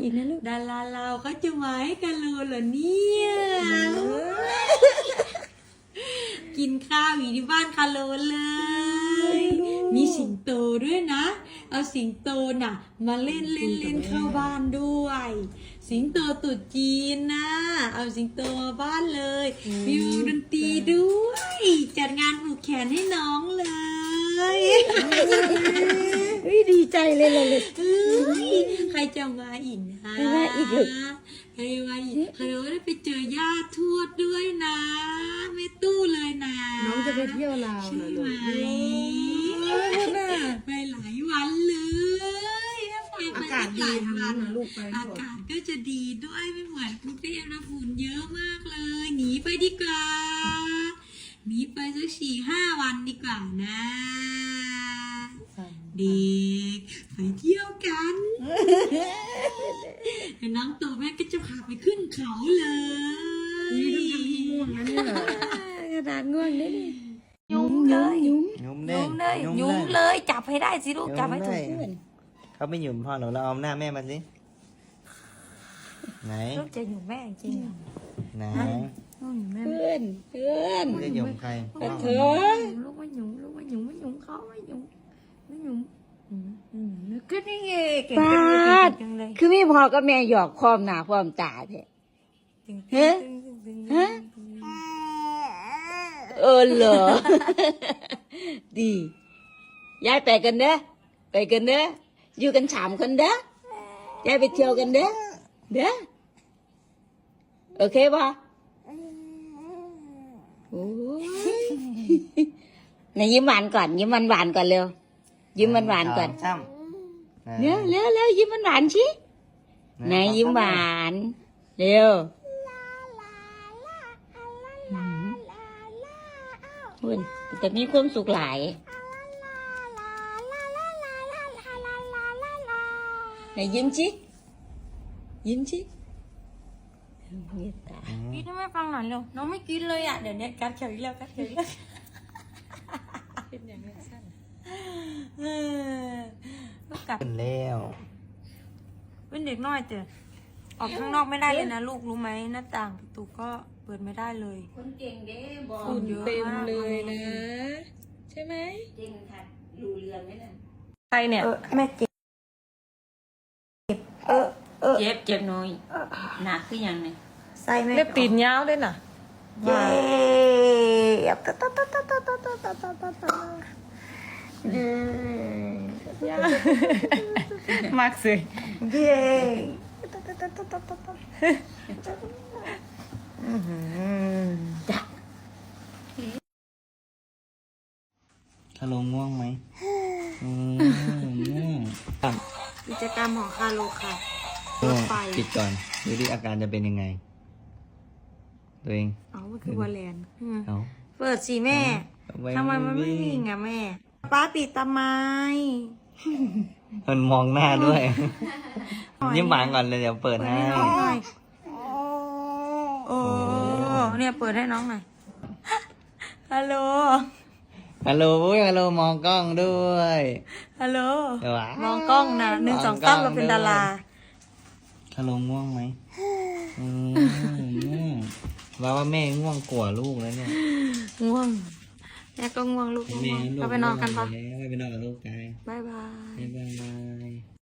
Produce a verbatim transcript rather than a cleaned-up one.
อีกนะลูกดาราเราเขาจะมาให้กันรู้เหรอเนี่ยกินข้าวอยู่ที่บ้านคาโลเลยมีสิงโตด้วยนะเอาสิงโตน่ะมาเล่นเล่นเล่นเข้าบ้านด้วยสิงโตตุ๊ดจีนนะเอาสิงโตมาบ้านเลยมีวงดนตรีด้วยจัดงานผูกแขนให้น้องเลยเฮ้ยดีใจเลยเลยใครจะมาอีกนะใครมาอีกลูกใครมาอีกใครว่าได้ไปเจอญาติทวดด้วยนะไม่ตู้เลยนะน้องจะไปเที่ยวลาวใช่ไหมไปหลายวันเลยอากาศดีทำนะลูกไปอากาศก็จะดีด้วยไม่เหมือนกรุงเทพนะฝุ่นเยอะมากเลยหนีไปดีกว่าหนีไปสักสี่ห้าวันดีกว่านะเด็กไปเที่ยวกันน้องโตแม่ก็จะพาไปขึ้นเขาเลยง่วงนะเนี่ยกระดาษง่วงนี่ยุ้มเลยยุ้มยุ้มเลยยุ้มเลยจับให้ได้สิลูกจับให้ถูกเพื่อนเขาไม่หยุมพ่อหนูเราเอาหน้าแม่มาสิไหนลูกจะหยุมแม่จริงไหนเพื่อนเพื่อนจะหยุมใครเธอลูกไม่หยุมลูกไม่หยุมไม่หยุมเขาไม่หยุมไม่หยุมก็นี่ไงป้าคือไม่พอก็แม่หยอกความหนาความตาเนี่ยฮะฮะเออเหรอดีย้ายไปกันเด้อไปกันเด้ออยู่กันสามคนเด้อย้ายไปเที่ยวกันเด้อเด้อโอเคป่ะโอ้ยไหนยิ้มหวานก่อนยิ้มหวานหวานก่อนเร็วยิ้มหวานหวานก่อนเร็วเร็วเร็วยิ้มหวานหวานชิไหนยิ้มหวานเร็วคุณแต่มีความสุขหลายไหนยิ้มชิยิ้มชิกินให้แม่ฟังหน่อยเร็วน้องไม่กินเลยอ่ะเดี๋ยวนี้กัดเฉยแล้วกัดเฉยแล้วเป็นอย่างนี้สั้นเออลูกกัดเป็นแล้วเป็นเด็กน้อยเจอออกข้างนอกไม่ได้เลยนะลูกรู้ไหมหน้าต่างประตูก็เปิดไม่ได้เลยคนเก่งเด้บอฝุ่นเต็มเลยนะใช่ไหมเก่งค่ะรู้เรื่องไหมล่ะใครเนี่ยแม่เจ็บเออเออเจ็บเจ็บน้อยหนักขึ้นยังไงใส่แม่เล็บตีนยาวด้วยน่ะเย้ตาตาตาตาตาตาตาตาตาตาตามากสิเย้คาโลง่วงไหมกิจกรรมของคาโลค่ะปิดก่อนดูดิอาการจะเป็นยังไงตัวเองอ๋อมันคือวอลเลนเอาเปิดสิแม่ทำไมมันไม่วิ่งอ่ะแม่ป้าปิดทำไมมันมองหน้าด้วยยิ้มหวานก่อนเลยเดี๋ยวเปิดให้โอ้เนี่ยเปิดให้น้องหน่อยฮัลโหลฮัลโหลฮัลโหลมองกล้องด้วยฮัลโหลมองกล้องนะหนึ่งสองกล้องเราเป็นดาราฮัลโหลง่วงไหมว่าว่าแม่ง่วงกว่าลูกแล้วเนี่ยง่วงแม่ก็ง่วงลูกง่วงเราไปนอนกันปะไปนอนกับลูกกันบ๊ายบายบ๊ายบาย